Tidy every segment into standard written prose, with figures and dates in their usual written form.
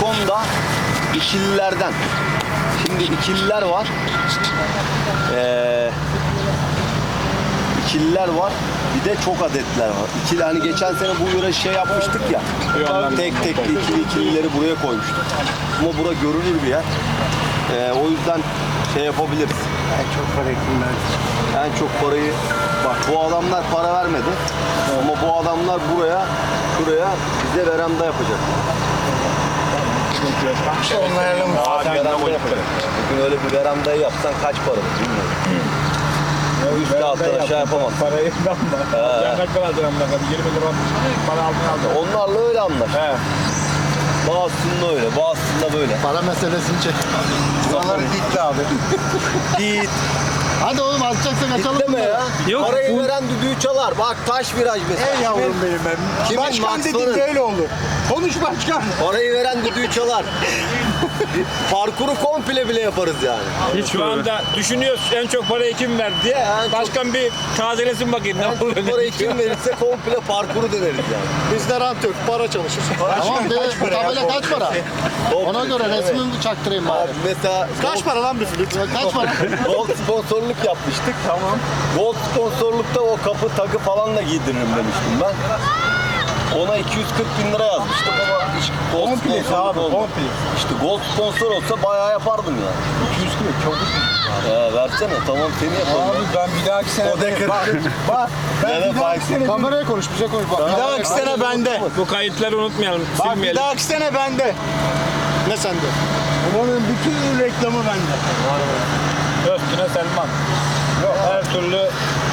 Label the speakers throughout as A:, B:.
A: Nikon da ikililerden. Şimdi ikililer var. İkililer var. Bir de çok adetler var. İkili, hani geçen sene bu yöre şey yapmıştık ya. Tek tek ikilileri buraya koymuştuk. Ama bura görünür bir yer. O yüzden şey yapabiliriz.
B: En çok para kimler?
A: En çok parayı, bak bu adamlar para vermedi. Ama bu adamlar şuraya bize veranda yapacak.
B: İşte onlarla mı?
A: Veranda yapacak. Bugün öyle bir verandayı yapsan kaç para bilmiyorum. Üstte alttan aşağı yapamaz.
C: Parayı ben var. Ya kaç para aldın amına koyayım? 20 lira para aldın.
A: Onlarla öyle anlar.
C: He.
A: Bazısında öyle, bazısında böyle.
B: Para meselesini çek. Buraları gitti abi.
A: Git.
B: Hadi oğlum alacaksak açalım
A: Deme
B: bunları.
A: ya.
D: Yok,
A: Parayı
D: bu-
A: veren düdüğü çalar. Bak taş viraj mesela.
B: Ey yavrum benim ben.
A: Kimin
B: Başkan
A: Maxwell'ın?
B: dediğin böyle olur. Konuş başkan.
A: Parayı veren düdüğü çalar. Parkuru komple bile yaparız yani.
D: Hiç
C: Şu
D: böyle.
C: anda düşünüyoruz en çok parayı kim verdi diye.
A: En çok-
C: Başkan bir tazelesin bakayım ne
A: Yani
C: olur.
A: bu parayı kim verirse komple parkuru deneriz yani.
B: Bizde rant yok. Para çalışır. Tamam be. Bu tabela kaç para? Ona göre resmimi çaktırayım bari.
A: Abi mesela
B: Kaç para lan bir flüt? Kaç para?
A: Gold sponsorluk yapmıştık. Tamam. Gold sponsorlukta o kapı takı falan da giydiririm demiştim ben. Ona 240 bin lira yazmıştım ama hiç gold
B: Komple
A: sponsorluk
B: abi,
A: olmadı.
B: komple.
A: İşte gold sponsor olsa bayağı yapardım yani.
B: 240 çok.
A: Versene tamam seni yapalım.
B: Abi ben bir dahaki sene...
A: O dekır.
B: Bak.
A: Ya da
B: Ben bir dahaki sene... Kameraya konuş bize konuş. Bak. Bir dahaki sene bende.
C: Bu kayıtları unutmayalım,
B: Bak bir
C: silmeyelim.
B: dahaki sene bende. Ne sende? Bunun bütün reklamı bende.
C: Üstüne Selman. Yok. Her türlü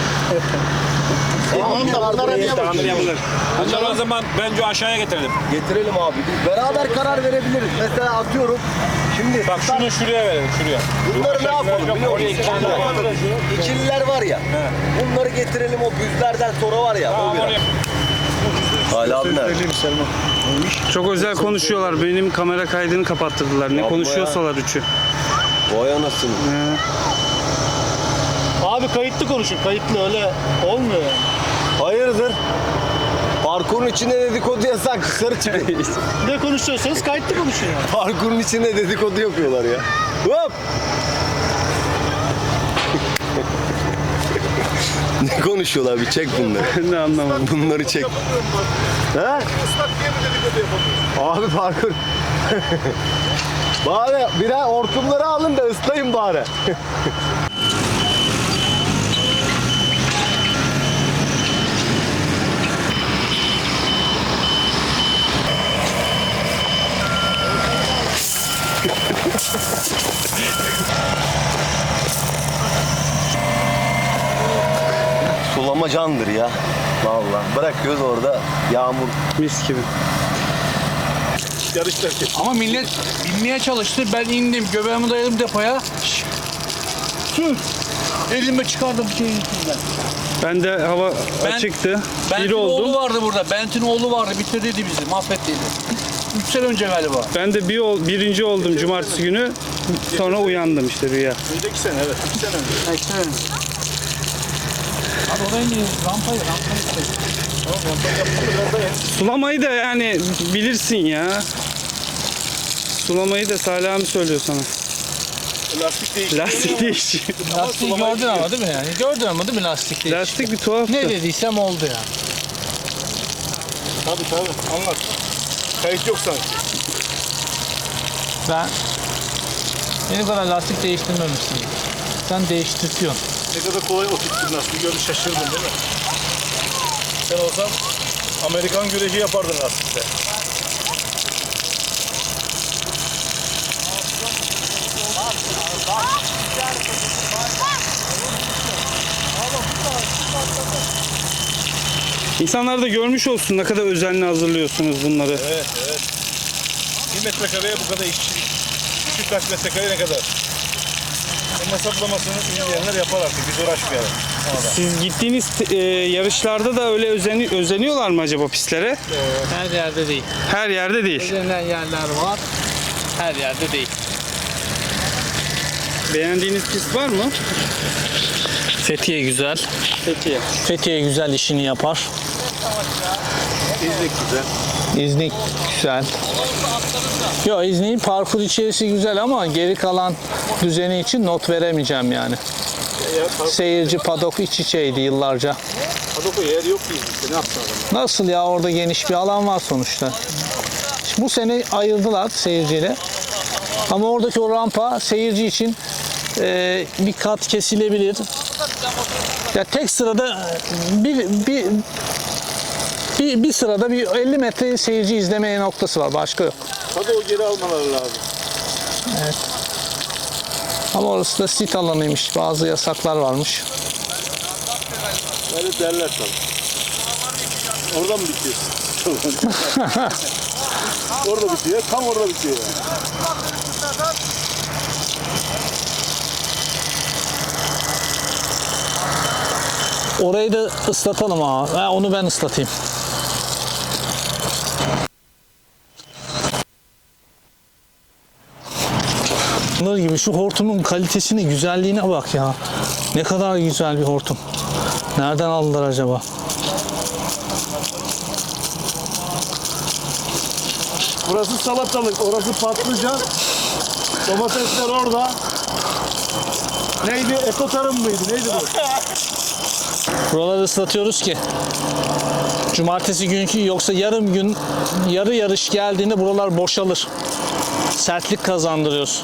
B: Tamam da bunlara niye
C: tamir
B: bakıyorsun?
C: yapılır. Bunları o zaman bence aşağıya getirelim.
A: Getirelim abi. Biz beraber karar verebiliriz. Mesela atıyorum. Şimdi
C: Bak şunu şuraya verelim, şuraya.
A: bunları ne yapalım biliyor musun?
C: Oraya ikililer var.
A: İkililer var ya. Bunları getirelim o büzlerden sonra var ya.
C: Tamam,
A: O
C: oraya.
A: biraz. Hala abi nerede?
D: Çok özel konuşuyorlar. Benim kamera kaydını kapattırdılar. Ne
A: Yapma
D: konuşuyorsalar üçü.
A: Vay anasını.
B: Abi kayıtlı konuşun. Kayıtlı öyle olmuyor yani.
A: Hayırdır? Parkurun içinde dedikodu yasak. Dışarı çıkın.
B: Ne konuşuyorsanız kayıtlı konuşun yani.
A: Parkurun içinde dedikodu yapıyorlar ya. Hop! Ne konuşuyorlar? Bir çek bunları.
D: Ne anlamadım.
A: Bunları çek. He? Abi parkur. Bari birer hortumları alın da ıslayın bari. Sulama candır ya. Vallahi bırakıyoruz orada yağmur.
D: Mis gibi.
E: Ama millet binmeye çalıştı. Ben indim, göbeğimi dayadım depoya. Sür. Elime çıkardım şeyin içinden.
D: Ben de hava açıktı. Bir
E: Bent'in oğlu
D: oldum.
E: vardı burada. Bent'in oğlu vardı. Bitirdiydi bizi. Mahvettiydi. 3 sene önce galiba.
D: Ben de birinci oldum cumartesi günü. Sonra uyandım işte rüya.
B: Önceki sene evet. 2 sene önce.
E: Abi oraya iniyoruz. Rampayı.
D: Sulamayı da yani bilirsin ya. Sulamayı da Salih abi söylüyor sana.
B: Lastik değişti.
D: Lastik değişiyor.
E: Lastiği gördün ama değil mi yani? Gördün ama değil mi lastik değil?
D: Lastik bir tuhaftı.
E: Ne dediysem oldu ya.
B: Tabii anlat. Kayıt yok sanki.
E: Ben benim kadar lastik değiştirmemişsin. Sen değiştirtiyorsun.
B: Ne kadar kolay oturttun lastiği gördün şaşırdın değil mi? Sen olsan Amerikan güreşi yapardın lastikte.
D: İnsanlar da görmüş olsun ne kadar özenli hazırlıyorsunuz bunları.
B: Evet. 1 metrekareye bu kadar işçilik. Küçük kaç metrekare ne kadar? Onun hesaplamasını izleyenler yapar artık. Biz uğraşmayalım.
D: Siz gittiğiniz yarışlarda da öyle özeniyorlar mı acaba pistlere?
E: Her yerde değil.
D: Her yerde değil.
E: Özenilen yerler var. Her yerde değil.
D: Beğendiğiniz pist var mı?
E: Fethiye güzel.
D: Peki.
E: Fethiye güzel işini yapar.
B: İznik güzel.
E: İznik güzel. Yok, İznik'in parkur içerisi güzel ama geri kalan düzeni için not veremeyeceğim yani. Seyirci padok iç içeydi yıllarca.
B: Padoko yer yok ki İznik'te. Ne yapsın adam?
E: Nasıl ya, orada geniş bir alan var sonuçta. Şimdi bu sene ayırdılar seyirciyle. Ama oradaki o rampa seyirci için bir kat kesilebilir. Ya tek sırada bir sırada bir 50 metre seyirci izlemeye noktası var. Başka yok.
B: Padoko geri almaları lazım.
E: Ama orası da sit alanıymış. Bazı yasaklar varmış.
B: Öyle derler tabii. Orada mı bitiyor? Orada bitiyor. Tam orada bitiyor yani.
E: Orayı da ıslatalım ha. Onu ben ıslatayım. Bunlar gibi şu hortumun kalitesine, güzelliğine bak ya. Ne kadar güzel bir hortum. Nereden aldılar acaba?
B: Burası salatalık, orası patlıcan. Domatesler orada. Neydi? Ekotarım mıydı? Neydi bu?
E: Buraları ıslatıyoruz ki cumartesi günkü, yoksa yarım gün yarı yarış geldiğinde buralar boşalır. Sertlik kazandırıyoruz.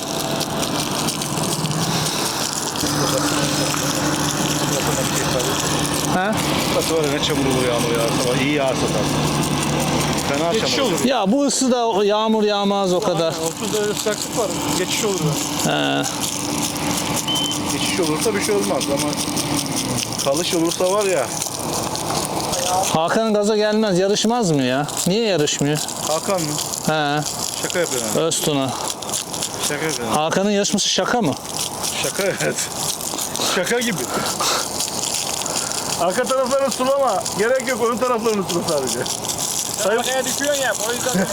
E: He?
B: Burası var ya, ne çamur olur yağmur yağarsa. İyi yağarsa tabii. Fena çamur olur.
E: Ya bu ısıda yağmur yağmaz o kadar.
B: 30 derece sıcaklık var. Geçiş olur.
E: He.
B: Geçiş olursa bir şey olmaz ama kalış olursa var ya.
E: Hakan gaza gelmez, yarışmaz mı ya? Niye yarışmıyor?
B: Hakan mı?
E: He.
B: Şaka yapıyor yani.
E: Öztuna.
B: Şaka yapıyor.
E: Hakan'ın yarışması şaka mı?
B: Şaka evet. Şaka gibi. Arka taraflarını sulama. Gerek yok, ön taraflarını sula sadece.
C: Arkaya düşüyorsun ya, o yüzden.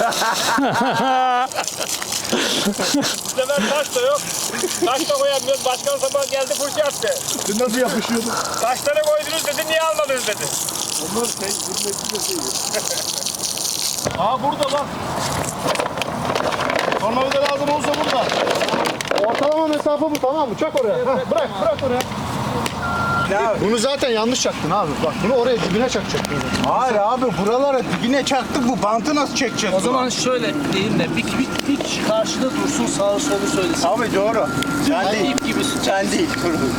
C: Bu sefer taş da yok. Taş da koyamıyoruz. Başkan sabah geldi, fırça yaptı.
B: Dün nasıl yapışıyordun?
C: Taşları koydunuz dedi, niye almadınız dedi.
B: Onlar zirvesi de değil. Aa burada bak. Tornavida lazım olsa burada. Ortalama mesafe bu, tamam mı? Çak oraya. Heh, bırak oraya.
F: Bunu zaten yanlış çaktın abi. Bak bunu oraya dibine çakacaktın.
A: Hayır abi, buralara dibine çaktık, bu bantı nasıl çekeceğiz?
E: O zaman şöyle diyeyim de bir karşıda dursun, sağı solu söylesin.
A: Abi doğru. Sen değil.
E: İp gibisin.
A: Sen değil.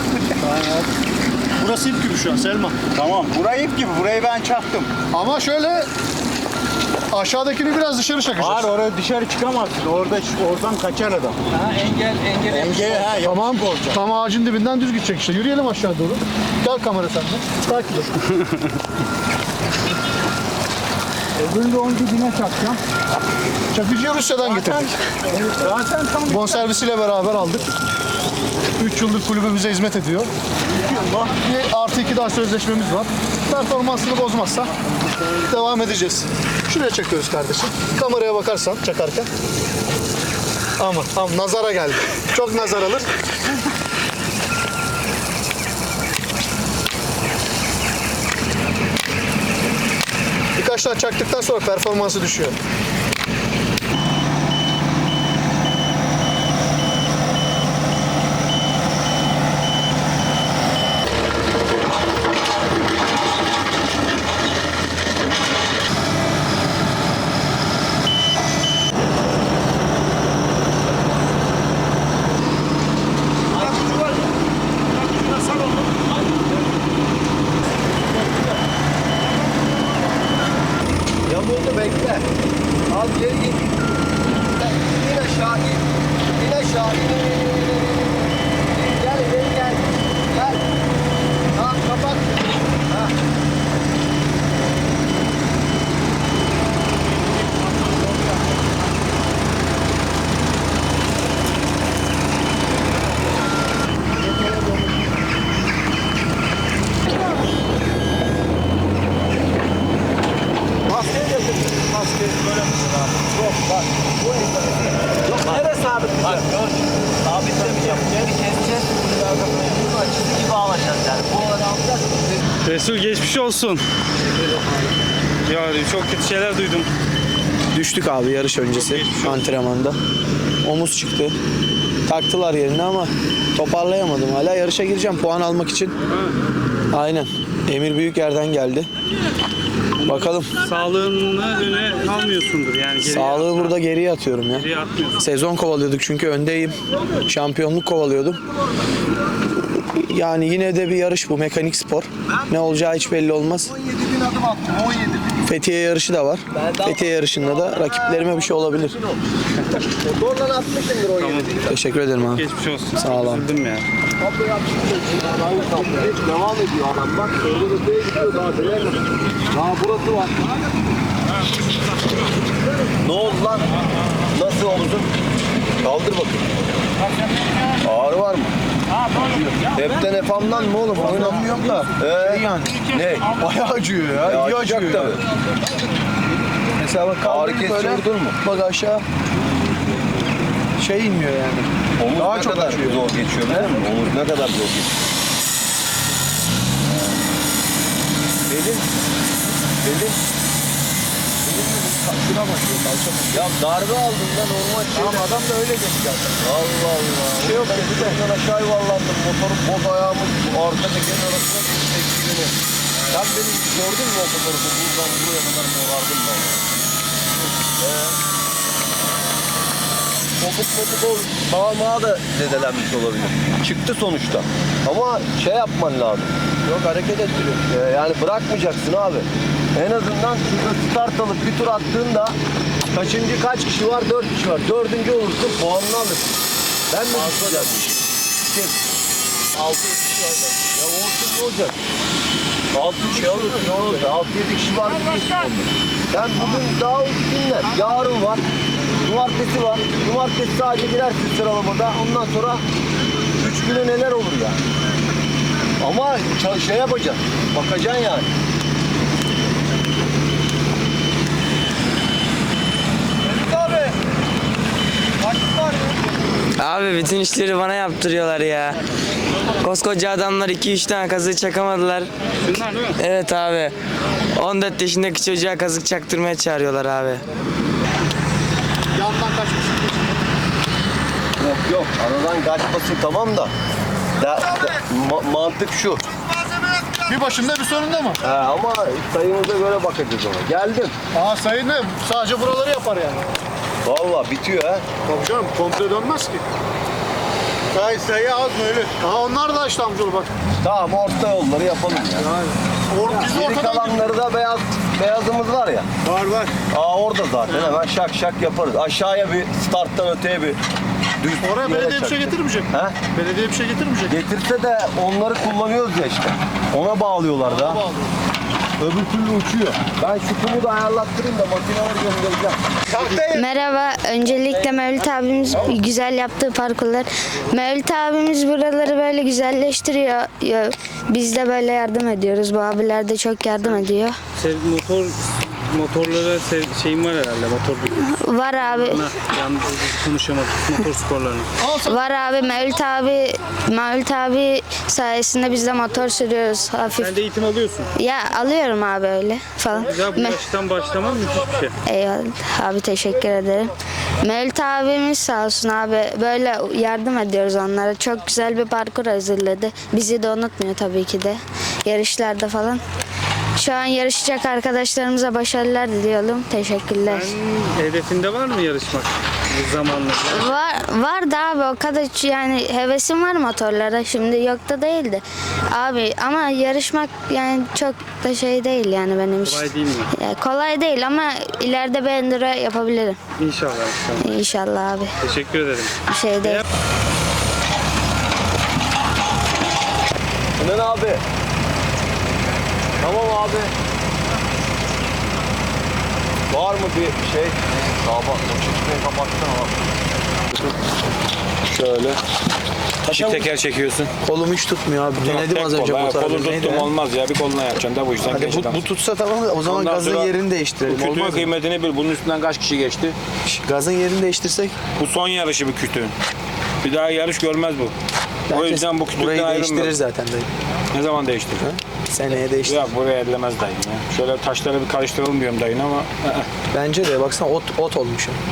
F: Burası ip gibi şu an Selma.
A: Tamam. Burayı ip gibi. Burayı ben çaktım.
F: Ama şöyle aşağıdakini biraz dışarı çakacağız.
A: Hayır, oraya dışarı çıkamazsın. Oradan kaçar adam.
E: Ha, engel.
A: Engel ha.
F: Tamam. Tam ağacın dibinden düz gidecek işte. Yürüyelim aşağı doğru. Gel kamera sende. Takip et. Öbürünü de onun dibine çakacağım. Çakıcıyı Rusya'dan getirdik.
A: Zaten tam
F: Bonservisiyle beraber aldık. 3 yıldır kulübümüze hizmet ediyor. Bir +2 daha sözleşmemiz var. Performansını bozmazsa devam edeceğiz. Şuraya çakıyoruz kardeşim. Kameraya bakarsan çakarken. Ama nazara geldi. Çok nazar alır. Birkaç tane çaktıktan sonra performansı düşüyor.
A: Ya burada bekle. Al geri git. İn aşağı in. İn aşağı in. Gel ileri gel. Gel. Tamam kapat. Ha. Maskeyi getir. Maskeyi böyle abi. Yok bak. Bu yok. Nereye sabit? Bak gör. Sabitlemeyeceğim. Geri keseceğiz. Bunu çizgi gibi alacağız yani. Bu olanı alacağız.
D: Resul geçmiş olsun. Ya çok kötü şeyler duydum.
G: Düştük abi yarış öncesi antrenmanda. Omuz çıktı. Taktılar yerine ama toparlayamadım hala. Yarışa gireceğim puan almak için. Aynen. Emir Büyüker'den geldi. Bakalım.
D: Sağlığını öne almıyorsundur yani. Geriye
G: Sağlığı burada geriye atıyorum ya.
D: geriye atmıyorsun.
G: Sezon kovalıyorduk çünkü öndeyim. Şampiyonluk kovalıyordum. Yani yine de bir yarış bu, mekanik spor. Ne olacağı hiç belli olmaz.
A: 17.000 adım attım, 17.
G: Fethiye yarışı da var. Fethiye yarışında da rakiplerime bir şey olabilir.
A: Motorla atmışımdır 17.
G: Teşekkür ederim abi.
D: Geçmiş olsun.
G: Sağ ol abi.
D: Üzüldüm ya.
A: Devam ediyor adam bak. Öyle öteye gidiyor daha neler. Daha burası var. Ne oldu lan? Nasıl omuzun? Kaldır bakayım. Ağrı var mı? Hepten efamdan mı oğlum? Oynamıyorum da. Yani. Ne?
G: Bayağı acıyor ya.
A: İyi acıyor tabii.
G: Mesela bak
A: Ağrı
G: kaldırdım
A: kesici
G: böyle.
A: vurdun mu?
G: Bak aşağı. Şey inmiyor yani.
A: Omuz
G: Daha
A: ne
G: çok
A: kadar
G: acıyor.
A: zor geçiyor biliyor musun? Omuz ne kadar zor geçiyor. Belin.
G: Şuna bakıyor.
A: Ya darbe aldın da normal şey.
G: Tamam adam da öyle dedi zaten.
A: Allah Allah.
G: Bir şey yok ya.
A: Ben aşağı yuvarlandım. Motorun boz ayağımın arka tekerin arasına girdi eksilini. Sen beni gördün mü o fotoğrafı? Buradan buraya kadar morardım ben. Topuk ol. Bağırmağa da zedelenmiş olabilir. Çıktı sonuçta. Ama şey yapman lazım.
G: Yok hareket ettiriyor.
A: Yani bırakmayacaksın abi. En azından şurada start alıp bir tur attığında kaç kişi var? 4 kişi var. 4. olursun puanını alırsın. Ben mi tutacağım? Kim? 6 kişi var. Ya olsun ne olacak? 6 kişi olursun ne olacak? 6-7 kişi var mı? Sen bugün daha günler. Yarın var. Cumartesi var. Cumartesi sadece girersin sıralamada. Ondan sonra 3 güne neler olur ya? Ama şey yapacaksın. Bakacaksın yani.
H: Abi bütün işleri bana yaptırıyorlar ya. Koskoca adamlar 2-3 tane kazık çakamadılar.
D: Bunlar değil mi?
H: Evet abi. 14 yaşındaki çocuğa kazık çaktırmaya çağırıyorlar abi.
F: Yandan kaçmışsın.
A: Yok aradan kaçmasın tamam da. Mantık şu.
F: Bir başında bir sonunda mı?
A: Ama sayımıza göre bakacağız ona. Geldim.
F: Aa sayı ne? Sadece buraları yapar yani.
A: Vallahi bitiyor ha.
F: Tabii canım komple dönmez ki. Sayı az mı öyle? Aa onlar da işte amcalı bak.
A: Tamam orta yolları yapalım ya.
F: Biz de
A: Geri
F: ortadan
A: kalanları da beyazımız var ya.
F: var.
A: Orada zaten hemen şak yaparız. Aşağıya bir starttan öteye bir düz
F: Oraya
A: yere
F: belediye bir şey
A: çakacağız.
F: getirmeyecek.
A: He?
F: Belediye bir şey getirmeyecek.
A: Getirse de onları kullanıyoruz ya işte. Ona bağlıyorlar da. Öbür türlü uçuyor. Ben şu kumu da ayarlattırayım da makineleri göndereceğim.
I: Merhaba. Öncelikle Mevlüt abimiz güzel yaptığı parkurlar. Mevlüt abimiz buraları böyle güzelleştiriyor. Biz de böyle yardım ediyoruz. Bu abiler de çok yardım ediyor.
D: Motorlara şeyin var herhalde. Motor
I: Var abi.
D: yalnız konuşamadık. Motor sporlarına.
I: Var abi. Mevlüt abi sayesinde biz de motor sürüyoruz hafif.
D: Sen de eğitim alıyorsun.
I: Ya alıyorum abi öyle falan.
D: Güzel bu yaştan başlaman müthiş bir şey.
I: Eyvallah abi teşekkür ederim. Mevlüt abimiz sağ olsun abi böyle yardım ediyoruz onlara. Çok güzel bir parkur hazırladı. Bizi de unutmuyor tabii ki de. Yarışlarda falan. Şu an yarışacak arkadaşlarımıza başarılar diliyorum. Teşekkürler.
D: Sen hedefinde var mı yarışmak bu zamanla?
I: Vardı abi o kadar yani hevesim var motorlara. Şimdi yok da değildi. Abi ama yarışmak yani çok da şey değil yani benim için.
D: Kolay değil mi?
I: Ya, kolay değil ama ileride bir enduro yapabilirim.
D: İnşallah.
I: İnşallah abi.
D: Teşekkür ederim.
I: Bir şey değil.
A: Sinan abi. Tamam abi. Var mı bir şey? Bak, çeşmeyi kapatsana bak. Şöyle.
G: Çift teker çekiyorsun. Kolum hiç tutmuyor abi. Denedim az önce motoru.
C: Kolu tuttum olmaz ya. Bir koluna yapacaksın da bu işten
G: Hadi
C: geçti.
G: bu tutsa tamam o zaman
C: Ondan
G: gazın
C: sonra
G: yerini
C: Bu
G: değiştirelim.
C: kütüğün
G: Olmaz mı?
C: kıymetini bil. Bunun üstünden kaç kişi geçti?
G: Gazın yerini değiştirsek.
C: Bu son yarışı bu kütüğün. Bir daha yarış görmez bu. O
G: Herkes
C: yüzden bu
G: burayı
C: kütükten
G: değiştirir
C: ayrılmıyor.
G: zaten dayı.
C: Ne zaman değiştirir?
G: Seneye değişti.
C: Ya buraya ellemez dayın ya. Şöyle taşları bir karıştıralım diyorum dayın ama
G: Bence de baksana ot olmuş. ya.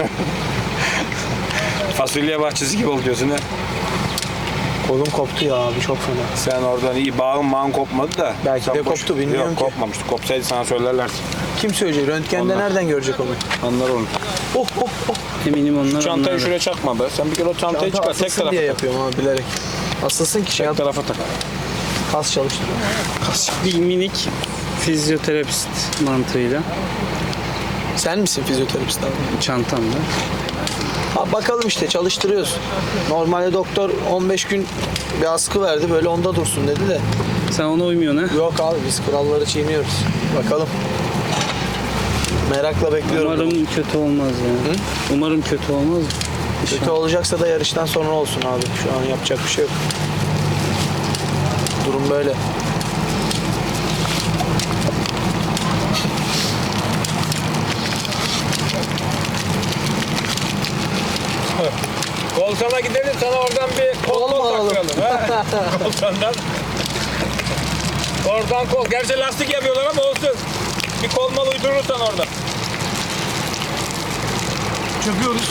C: fasulye bahçesi gibi oluyorsun ha.
G: Kolum koptu ya abi çok fena.
C: Sen oradan iyi bağın kopmadı da.
G: Belki
C: sen
G: de koptu, bilmiyorum
C: Yok,
G: ki.
C: kopmamıştı. Kopsaydı sana söylerler.
G: Kim söyleyecek? Röntgende
C: Onlar.
G: nereden görecek onu?
C: Anlar onu.
D: Eminim onlar.
C: Çantayı
D: onlar.
C: şuraya çakma be. Sen bir kere o çantayı
G: Çanta
C: çıkar. Tek
G: asılsın
C: tarafa
G: diye
C: tak.
G: yapıyorum abi bilerek. Asılsın ki şey
C: Tek tarafa tak.
G: kas çalıştırıyor.
D: Bir minik fizyoterapist mantığıyla
G: Sen misin fizyoterapist abi?
D: çantamda.
G: Ha, bakalım işte çalıştırıyoruz. Normalde doktor 15 gün bir askı verdi böyle onda dursun dedi de.
D: Sen ona uymuyorsun ha?
G: Yok abi biz kuralları çiğniyoruz. Bakalım. Merakla bekliyorum.
D: Umarım kötü olmaz ya. Umarım kötü olmaz.
G: Kötü olacaksa da yarıştan sonra olsun abi. Şu an yapacak bir şey yok. Durum böyle.
C: Kolsana gidelim sana oradan bir kol
G: alalım.
C: taktıralım. Kolsandan. Oradan kol. Gerçi lastik yapıyorlar ama olsun. Bir kol mal uydurursan orada.
F: Çöküyoruz.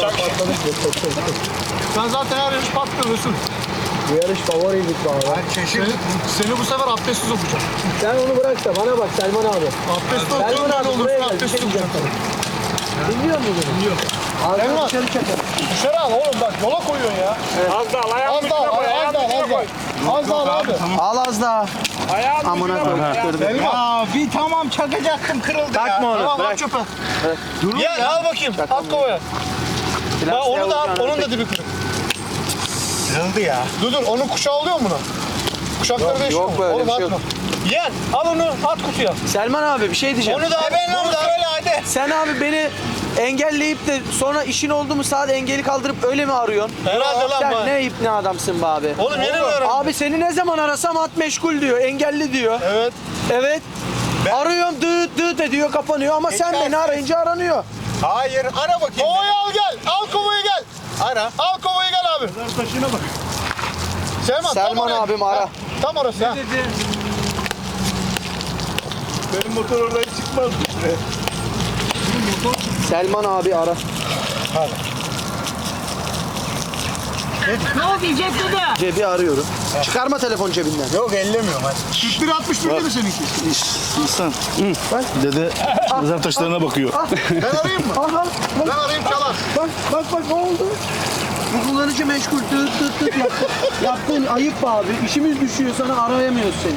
F: Sen zaten her yarış patlıyorsun.
G: Bu yarış favoriydik abi.
F: Seni bu sefer abdestsiz okuyacağım.
G: Sen onu bırak da bana bak Selman abi.
F: Abdestli
G: Selman
F: okuyorum
G: abi
F: böyle
G: buraya
F: olursun
G: gel. Bir şey
F: abdestsiz
G: diyeceğim
F: okuyacağım.
G: sana. Dinliyor musun beni? Dinliyorum.
F: Selman.
G: Dışarı çeker.
F: Dışarı al oğlum bak yola koyuyorsun ya.
C: Az daha ayağın
F: Az
C: ucuna
F: daha
C: koy.
F: az
C: Ayağın
F: daha
C: ucuna
F: az
C: koy.
F: daha. Az daha abi.
G: Al az daha.
C: Ayağın
G: Amına
C: ucuna koy.
G: koyduk.
F: Selman.
B: Bir tamam çakacaktım kırıldı ya.
G: Takma onu.
F: Tamam
G: Bırak.
F: al çöpe.
B: Ya al bakayım.
F: At kovaya. Bak onu da at. Onun da dibi kırık.
B: Kırıldı ya.
F: Dur onun kuşağı oluyor mu buna? Kuşakları değişiyor
G: yok
F: mu?
G: böyle
F: Oğlum
G: bir şey
F: atma.
G: yok.
F: Yeğen al onu at kutuya.
G: Selman abi bir şey diyeceğim.
F: Onu da at.
B: Ben onu söyle hadi.
G: Sen abi beni engelleyip de sonra işin oldu mu sadece engeli kaldırıp öyle mi arıyorsun?
F: Herhalde lan
G: Sen
F: bu.
G: ne ip ne adamsın be abi.
F: Oğlum yeni mi öğrendin?
G: Abi seni ne zaman arasam at meşgul diyor, engelli diyor.
F: Evet.
G: Evet. Arıyorum dıt dıt ediyor kapanıyor ama sen beni arayınca aranıyor.
B: Hayır ara bakayım.
F: Kovayı al gel. Al kovayı gel.
B: Ara.
F: Al kovayı gel abi.
B: Taşına bak.
F: Selman, tam
G: Selman
F: oraya.
G: abim ara.
F: Ha, tam orası ha.
B: Benim motor oraya çıkmaz.
G: Selman abi ara.
B: Ne oldu diyecek dedi?
G: Cebi arıyorum. Çıkarma telefon cebinden.
B: Yok ellemiyorum hadi.
F: 41 61 dedi seninki.
B: İhsan. Dede mezar taşlarına bakıyor.
F: Ben arayayım mı? Ben arayayım çalar.
G: Bak ne oldu? Bu kullanıcı meşgul dıt dıt dıt yaptı. Yaptığın ayıp be abi. İşimiz düşüyor sana arayamıyoruz seni.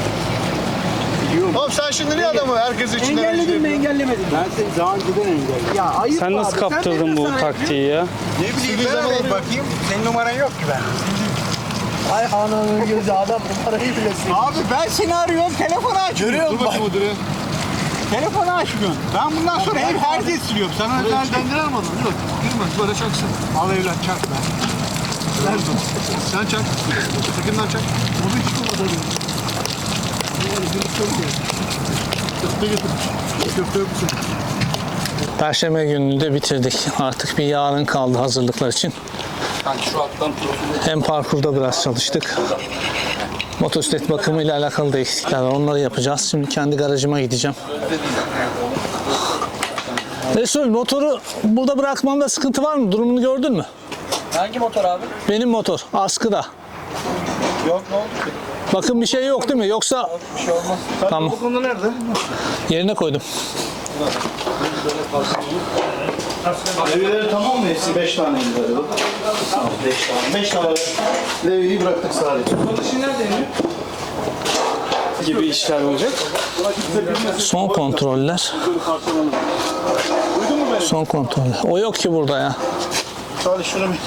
F: Oğlum sen şimdi niye adamı herkes içinden
G: Engelledin mi engellemedin mi?
B: Ben seni zaman giden engelledim.
G: Ya ayıp
D: Sen
G: be
D: nasıl
G: abi.
D: kaptırdın
G: benim
D: bu
G: sana
D: taktiği ya?
B: Ne bileyim ben arayayım bakayım. Senin numaran yok ki ben.
G: Ay ananın gözü adam numarayı bile sil.
B: Abi ben seni arıyorum telefonu açmıyorum.
F: Dur bakayım o direğe.
B: Telefonu açmıyorum. Ben bundan sonra hep herkes siliyorum. Sana özel
F: Dendiler mi adamı? Yok. Girmez böyle çaksın.
B: al evlat çak be.
F: Ver dur. Sen çak. Sakından çak. Onu hiç kullanmadı. Köfte getirmiş. Köfte yok musun?
E: Perşembe gününü de bitirdik. Artık bir yarın kaldı hazırlıklar için. Hem parkurda biraz çalıştık. Motosiklet bakımıyla alakalı da eksikler var. Onları yapacağız. Şimdi kendi garajıma gideceğim. Resul, motoru burada bırakmamda sıkıntı var mı? Durumunu gördün mü?
G: Hangi motor abi?
E: Benim motor askıda.
B: Yok ne oldu ki?
E: Bakın bir şey yok değil mi? Yoksa
B: Bir şey olmaz.
E: tamam.
B: Bu konu nerede?
E: Yerine koydum.
B: Levyeleri tamam mı hepsi? 5 tane galiba. Tamam 5 tane. 5 tane levyeyi bıraktık sadece.
D: Gibi işler olacak.
E: Son kontroller. Son kontroller. O yok ki burada ya.
B: Salih şunu bir...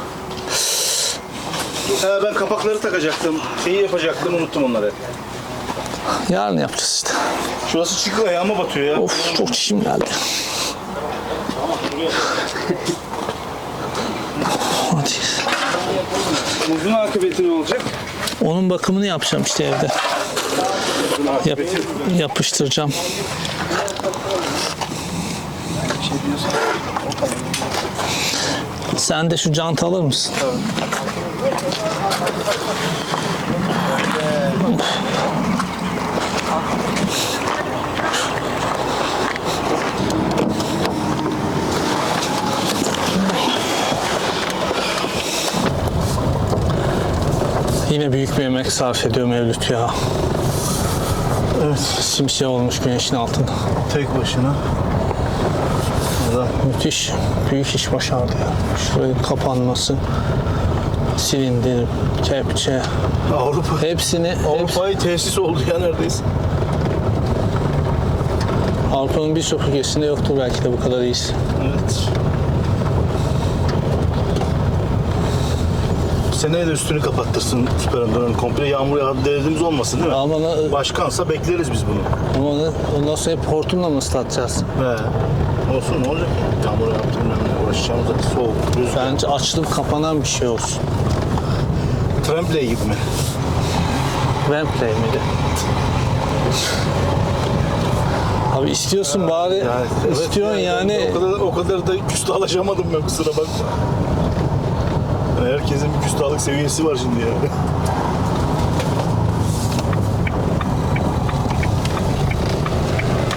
B: ben kapakları takacaktım. Şeyi yapacaktım unuttum onları.
E: Yarın yapacağız işte.
B: Şurası çıkıyor ayağıma batıyor ya.
E: Of çok çişim geldi. Hadi.
D: Uzun akıbeti ne olacak?
E: Onun bakımını yapacağım işte evde. Yapıştıracağım. Sen de şu jant alır mısın? Yine büyük bir emek sarf ediyor Mevlüt ya.
F: Evet.
E: Simsiyah olmuş güneşin altında.
F: Tek başına.
E: Müthiş. Büyük iş başardı ya. Şurayın kapanması. Silindir, kepçe.
F: Avrupa.
E: Hepsini
F: Avrupa'yı tesis oldu ya neredeyse.
E: Avrupa'nın birçok ülkesinde yoktur belki de bu kadar iyisi.
F: Evet. Seneye de üstünü kapattırsın Süper Enduro'nun komple. Yağmur yağdı dediğimiz olmasın değil mi?
E: Ama
F: Başkansa bekleriz biz bunu.
E: ondan sonra hep hortumla mı ıslatacağız?
F: He. Olsun ne olacak? Yağmur yağdı bilmem ne uğraşacağımız da soğuk, rüzgar.
E: Bence açılıp kapanan bir şey olsun.
F: Tremplay gibi mi?
E: Wembley miydi? Abi istiyorsun bari,
F: Evet,
E: istiyorsun yani.
F: O kadar da küstahlaşamadım ben kusura bakma. Yani herkesin bir küstahlık seviyesi var şimdi ya.